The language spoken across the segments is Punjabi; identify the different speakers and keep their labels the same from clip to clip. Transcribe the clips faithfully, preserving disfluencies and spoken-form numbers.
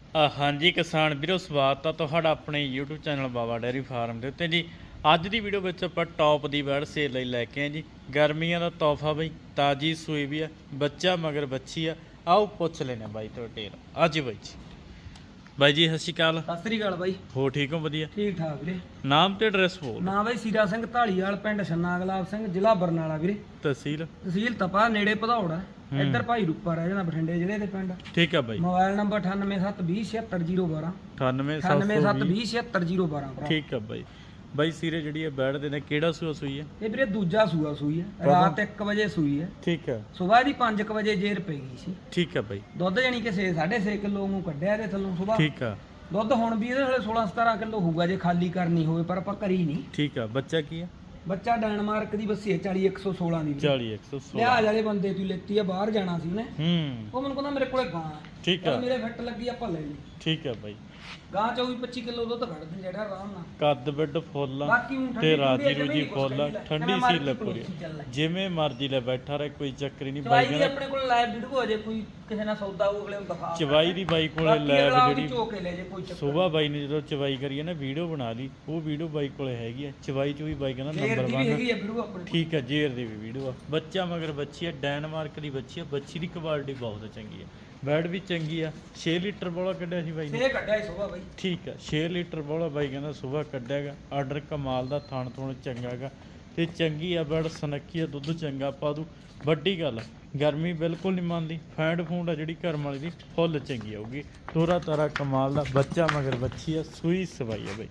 Speaker 1: ਅ, ਹਾਂਜੀ ਕਿਸਾਨ ਵੀਰੋ, ਸਵਾਗਤ ਆ ਤੁਹਾਡਾ ਆਪਣੇ YouTube channel Baba dairy farm ਦੇ ਉੱਤੇ ਜੀ। ਅੱਜ ਦੀ ਵੀਡੀਓ ਵਿੱਚ ਆਪਾਂ ਟੌਪ ਦੀ ਬੈਡ ਸੇਲ ਲਈ ਲੈ ਕੇ ਆਏ ਜੀ। ਗਰਮੀਆਂ ਦਾ ਤੋਹਫਾ ਬਈ, ਤਾਜੀ ਸੂਈ ਵੀ ਆ, ਬੱਚਾ ਮਗਰ ਬੱਚੀ ਆ। ਆਓ ਪੁੱਛ ਲੈਣੇ ਬਾਈ ਤੋਂ ਡਿਟੇਲ। ਅੱਜ ਬਾਈ ਜੀ ਬਾਈ ਜੀ ਸਤਿ ਸ਼੍ਰੀ ਅਕਾਲ।
Speaker 2: ਸਤਿ ਸ੍ਰੀ ਅਕਾਲ ਬਾਈ।
Speaker 1: ਹੋ ਠੀਕ ਹੋ? ਵਧੀਆ
Speaker 2: ਠੀਕ ਠਾਕ ਵੀਰੇ।
Speaker 1: ਨਾਮ ਤੇ ਐਡਰੈਸ ਬੋਲ।
Speaker 2: ਨਾਮ ਬਾਈ ਸੀਰਾ ਸਿੰਘ ਢਾਲੀਵਾਲ, ਪਿੰਡ ਛੰਨਾ ਗੁਲਾਬ ਸਿੰਘ, ਜ਼ਿਲ੍ਹਾ ਬਰਨਾਲਾ ਵੀਰੇ।
Speaker 1: ਤਹਿਸੀਲ
Speaker 2: ਤਹਿਸੀਲ ਤਪਾ, ਨੇੜੇ ਭਦੌੜ। ਇੱਧਰ ਭਾਈ ਰੂਪਾ ਰਹਿ ਜਾਂਦਾ, ਬਠਿੰਡੇ ਜ਼ਿਲ੍ਹੇ ਦੇ ਪਿੰਡ।
Speaker 1: ਠੀਕ ਆ ਬਾਈ।
Speaker 2: ਮੋਬਾਈਲ ਨੰਬਰ ਅਠਾਨਵੇਂ ਸੱਤ ਵੀਹ ਛਿਅੱਤਰ ਜ਼ੀਰੋ ਬਾਰਾਂ।
Speaker 1: ਅਠਾਨਵੇਂ
Speaker 2: ਅਠਾਨਵੇਂ ਸੱਤ ਵੀਹ ਛਿਅੱਤਰ ਜ਼ੀਰੋ ਬਾਰਾਂ।
Speaker 1: ਠੀਕ ਆ ਬਾਈ। ਬਾਈ ਸੀਰੇ ਜਿਹੜੀ ਇਹ ਬੈਡ ਦੇ ਨੇ ਕਿਹੜਾ ਸੂਆ ਸੂਈ ਹੈ?
Speaker 2: ਇਹ ਵੀਰੇ ਦੂਜਾ ਸੂਆ ਸੂਈ ਹੈ, ਰਾਤ ਇੱਕ ਵਜੇ ਸੂਈ ਹੈ।
Speaker 1: ਠੀਕ ਆ।
Speaker 2: ਸਵੇਰ ਦੀ ਪੰਜ ਕੁ ਵਜੇ ਜੇਰ ਪੈ ਗਈ ਸੀ।
Speaker 1: ਠੀਕ ਆ ਬਾਈ।
Speaker 2: ਦੁੱਧ ਜਾਨੀ ਕਿ ਛੇ ਸਾਢੇ ਛੇ ਕਿਲੋ ਨੂੰ ਕੱਢਿਆ ਇਹਦੇ ਥੱਲੋਂ ਸਵੇਰ।
Speaker 1: ਠੀਕ ਆ।
Speaker 2: ਦੁੱਧ ਹੁਣ ਵੀ ਇਹਦੇ ਥੱਲੇ ਸੋਲਾਂ ਸਤਾਰਾਂ ਕਿਲੋ ਹੋਊਗਾ ਜੇ ਖਾਲੀ ਕਰਨੀ ਹੋਵੇ, ਪਰ ਆਪਾਂ ਕਰੀ ਨਹੀਂ।
Speaker 1: ਠੀਕ ਆ। ਬੱਚਾ ਕੀ ਆ?
Speaker 2: ਬੱਚਾ ਡੈਨਮਾਰਕ ਦੀ ਬੱਸੀ ਹੈ, ਚਾਲੀ ਇੱਕ ਸੌ ਸੋਲਾਂ ਦੀ।
Speaker 1: ਚਾਲੀ ਇੱਕ ਸੌ ਸੋਲਾਂ
Speaker 2: ਲਿਹਾਜ਼ ਵਾਲੇ ਬੰਦੇ ਤੂੰ ਲੈਤੀ ਆ, ਬਾਹਰ ਜਾਣਾ ਸੀ ਉਹਨੇ।
Speaker 1: ਹੂੰ।
Speaker 2: ਉਹ ਮੈਨੂੰ ਕਹਿੰਦਾ ਮੇਰੇ ਕੋਲੇ ਗਾਂ ਹੈ।
Speaker 1: ਠੀਕ ਆ।
Speaker 2: ਮੇਰੇ ਫਿੱਟ ਲੱਗੀ, ਆਪਾਂ ਲੈ ਲਈ।
Speaker 1: ਠੀਕ ਆ ਬਾਈ।
Speaker 2: ਗਾਂ ਚੌਵੀ ਪੱਚੀ ਕਿਲੋ ਦੁੱਧ ਕੱਢਦੀ ਜਿਹੜਾ ਆਰਾਮ ਨਾਲ।
Speaker 1: ਕੱਦ ਬਿੱਡ ਫੁੱਲ
Speaker 2: ਬਾਕੀ ਊਂ ਠੰਡੀ
Speaker 1: ਤੇ ਰਾਜੀ
Speaker 2: ਠੰਡੀ
Speaker 1: ਰੂਜੀ
Speaker 2: ਕੁਛ
Speaker 1: ਫੁੱਲ,
Speaker 2: ਕਹਿੰਦੀ ਲੈ।
Speaker 1: ਠੰਡੀ
Speaker 2: ਜਿਵੇਂ
Speaker 1: ਸੀ
Speaker 2: ਮਰਜ਼ੀ
Speaker 1: ਲੱਪੂਰੀ,
Speaker 2: ਚੱਲ ਲੈ।
Speaker 1: ਜਿਵੇਂ ਮਰਜ਼ੀ ਲੈ ਬੈਠਾ ਰਹੇ, ਕੋਈ ਚੱਕਰ ਹੀ ਨਹੀਂ
Speaker 2: ਚਵਾਈ
Speaker 1: ਬਾਈ
Speaker 2: ਦੀ
Speaker 1: ਕਹਿੰਦਾ।
Speaker 2: ਆਪਣੇ ਕੋਲ ਲਾਈਵ ਵੀਡੀਓ ਅਜੇ ਕੋਈ ਕਿਸੇ ਨਾਲ ਸੌਦਾ ਉਹ ਅਗਲੇ ਨੂੰ ਦਿਖਾ।
Speaker 1: ਚਵਾਈ ਦੀ ਬਾਈ ਕੋਲੇ
Speaker 2: ਬਾਕੀ
Speaker 1: ਲੈਬ
Speaker 2: ਅਗਲਾ ਆਪਦੀ
Speaker 1: ਜਿਹੜੀ
Speaker 2: ਝੋਕ ਕੇ ਲੈ ਜੇ, ਕੋਈ ਚੱਕਰ
Speaker 1: ਸੁਬਾਹ ਬਾਈ ਨੇ ਜਦੋਂ ਚਵਾਈ ਕਰੀ ਹੈ ਨਾ, ਵੀਡੀਓ ਬਣਾ ਲਈ, ਉਹ ਵੀਡੀਓ ਬਾਈ ਕੋਲੇ ਹੈਗੀ ਆ। ਚਵਾਈ ਚ ਵੀ ਬਾਈ ਕਹਿੰਦਾ
Speaker 2: ਜੇਰ
Speaker 1: ਨੰਬਰ
Speaker 2: ਦੀ ਵੀ ਹੈਗੀ
Speaker 1: ਵਨ।
Speaker 2: ਆ ਵੀਡੀਓ ਆਪਣੇ।
Speaker 1: ਠੀਕ ਆ। ਜੇਰ ਦੀ ਵੀ ਵੀਡੀਓ ਆ। ਬੱਚਾ ਮਗਰ ਬੱਚੀ ਆ, ਡੈਨਮਾਰਕ ਦੀ ਬੱਚੀ ਆ। ਬੱਚੀ ਦੀ ਕੁਆਲਿਟੀ ਬਹੁਤ ਚੰਗੀ ਆ, ਬੈਡ ਵੀ ਚੰਗੀ ਆ। ਛੇ ਲੀਟਰ ਬੋਲਾ ਕੱਢਿਆ ਸੀ ਬਾਈ ਨੇ।
Speaker 2: ਸੇ ਕੱਢਿਆ ਹੀ ਸਵੇਰ ਬਾਈ।
Speaker 1: ਠੀਕ ਆ। ਛੇ ਲੀਟਰ ਬੋਲਾ ਬਾਈ ਕਹਿੰਦਾ ਸੁਬਾਹ ਕੱਢਿਆਗਾ। ਆਰਡਰ ਕਮਾਲ ਦਾ, ਥਣ ਥੁਣ ਚੰਗਾਗਾ ਤੇ ਚੰਗੀ ਆ ਬੈਡ, ਸਨੱਕੀ ਆ, ਦੁੱਧ ਚੰਗਾ ਪਾ ਦੂ। ਵੱਡੀ ਗੱਲ, ਗਰਮੀ ਬਿਲਕੁਲ ਨਹੀਂ ਮੰਨਦੀ। ਫੈਂਡ ਫੂੰਡ ਆ ਜਿਹੜੀ ਘਰਮ ਵਾਲੀ ਦੀ ਫੁੱਲ ਚੰਗੀ ਆਊਗੀ। ਤੋਰਾ ਤਾਰਾ ਕਮਾਲ ਦਾ, ਬੱਚਾ ਮਗਰ ਬੱਚੀ ਆ, ਸੂਈ ਸਵਾਈ ਆ ਬਾਈ।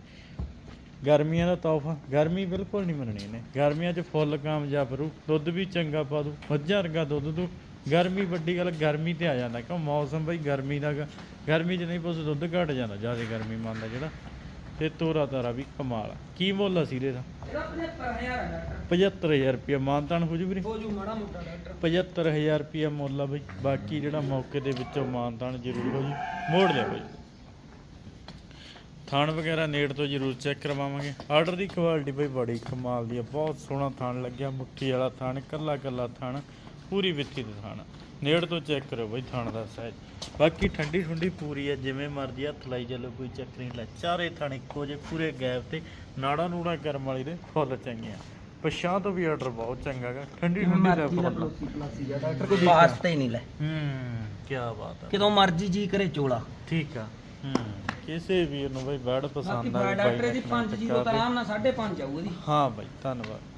Speaker 1: ਗਰਮੀਆਂ ਦਾ ਤੋਹਫਾ, ਗਰਮੀ ਬਿਲਕੁਲ ਨਹੀਂ ਮੰਨਣੀ ਇਹਨੇ। ਗਰਮੀਆਂ 'ਚ ਫੁੱਲ ਕਾਮਯਾਬ ਰੂ, ਦੁੱਧ ਵੀ ਚੰਗਾ ਪਾ ਦੂ, ਮੱਝਾਂ ਵਰਗਾ ਦੁੱਧ ਦੂ। ਗਰਮੀ ਵੱਡੀ ਗੱਲ, ਗਰਮੀ ਤੇ ਆ ਜਾਂਦਾ ਕਿਉਂ ਮੌਸਮ ਬਈ ਗਰਮੀ ਦਾ ਗਾ। ਗਰਮੀ 'ਚ ਨਹੀਂ ਪੁੱਛ ਦੁੱਧ ਘਟ ਜਾਂਦਾ, ਜ਼ਿਆਦਾ ਗਰਮੀ ਮੰਨਦਾ ਜਿਹੜਾ। ਤੇ ਤੋਰਾ ਤਾਰਾ ਵੀ ਕਮਾਲ ਆ। ਕੀ ਮੁੱਲ ਆ ਸੀਰੇ ਦਾ?
Speaker 2: ਇਹਦਾ ਪਝੱਤਰ ਹਜ਼ਾਰ ਹੈ ਡਾਕਟਰ।
Speaker 1: ਪਝੱਤਰ ਹਜ਼ਾਰ ਰੁਪਇਆ ਮਾਨਤਾਨ ਹੋ ਜੂ ਵੀਰੇ?
Speaker 2: ਹੋ ਜੂ ਮਾੜਾ ਮੋਟਾ ਡਾਕਟਰ।
Speaker 1: ਪਝੱਤਰ ਹਜ਼ਾਰ ਰੁਪਇਆ ਮੁੱਲ ਆ ਬਈ। ਬਾਕੀ ਜਿਹੜਾ ਮੌਕੇ ਦੇ ਵਿੱਚੋਂ ਮਾਨਤਾਨ ਜ਼ਰੂਰ ਹੋ ਜੀ। ਮੋੜ ਲਿਆ ਬਈ। ਥਣ ਵਗੈਰਾ ਨੇੜ ਤੋਂ ਜ਼ਰੂਰ ਚੈੱਕ ਕਰਵਾਵਾਂਗੇ। ਆਰਡਰ ਦੀ ਕੁਆਲਿਟੀ ਬਈ ਬੜੀ ਕਮਾਲ ਦੀ ਆ। ਬਹੁਤ ਸੋਹਣਾ ਥਣ ਲੱਗਿਆ, ਮੁੱਠੀ ਵਾਲਾ ਥਣ, ਕੱਲਾ ਕੱਲਾ ਥਣ, ਪੂਰੀ ਵਿੱਥੀ ਦਾ ਥਣ। ਨੇੜ ਤੋਂ ਚੈੱਕ ਕਰੋ ਬਈ ਥਣ ਦਾ ਸਾਈਜ਼। ਬਾਕੀ ਠੰਡੀ ਠੁੰਡੀ ਪੂਰੀ ਹੈ, ਜਿਵੇਂ ਮਰਜ਼ੀ ਹੱਥ ਲਾਈ ਚੱਲੋ, ਕੋਈ ਚੱਕਰ ਨਹੀਂ। ਲੈ ਚਾਰੇ ਥਣ ਇੱਕੋ ਜਿਹੇ ਪੂਰੇ ਗੈਪ ਤੇ, ਨਾੜਾ ਨੂੜਾ ਕਰਮ ਵਾਲੀ ਦੇ ਫੁੱਲ ਚੰਗੀਆਂ। ਪਛਾਂ ਤੋਂ ਵੀ ਆਰਡਰ ਬਹੁਤ ਚੰਗਾ ਗਾ। ਠੰਡੀ ਠੁੰਡੀ ਦਾ ਫੁੱਲ।
Speaker 2: ਡਾਕਟਰ ਕੋਈ ਵਾਸਤੇ ਹੀ ਨਹੀਂ ਲੈ।
Speaker 1: ਹੂੰ, ਕੀ ਬਾਤ ਆ।
Speaker 2: ਕਿਦੋਂ ਮਰਜ਼ੀ ਜੀ ਕਰੇ ਚੋਲਾ।
Speaker 1: ਠੀਕ ਆ। ਹੂੰ, ਕਿਸੇ ਵੀਰ ਨੂੰ ਬਈ ਬੈਡ ਪਸੰਦ ਆ
Speaker 2: ਡਾਕਟਰ ਦੀ ਪੰਜ ਜੀਰੋ ਤਾਂ ਆਰਾਮ ਨਾਲ ਸਾਢੇ ਪੰਜ ਆਊ ਇਹਦੀ।
Speaker 1: ਹਾਂ ਬਾਈ, ਧੰਨਵਾਦ।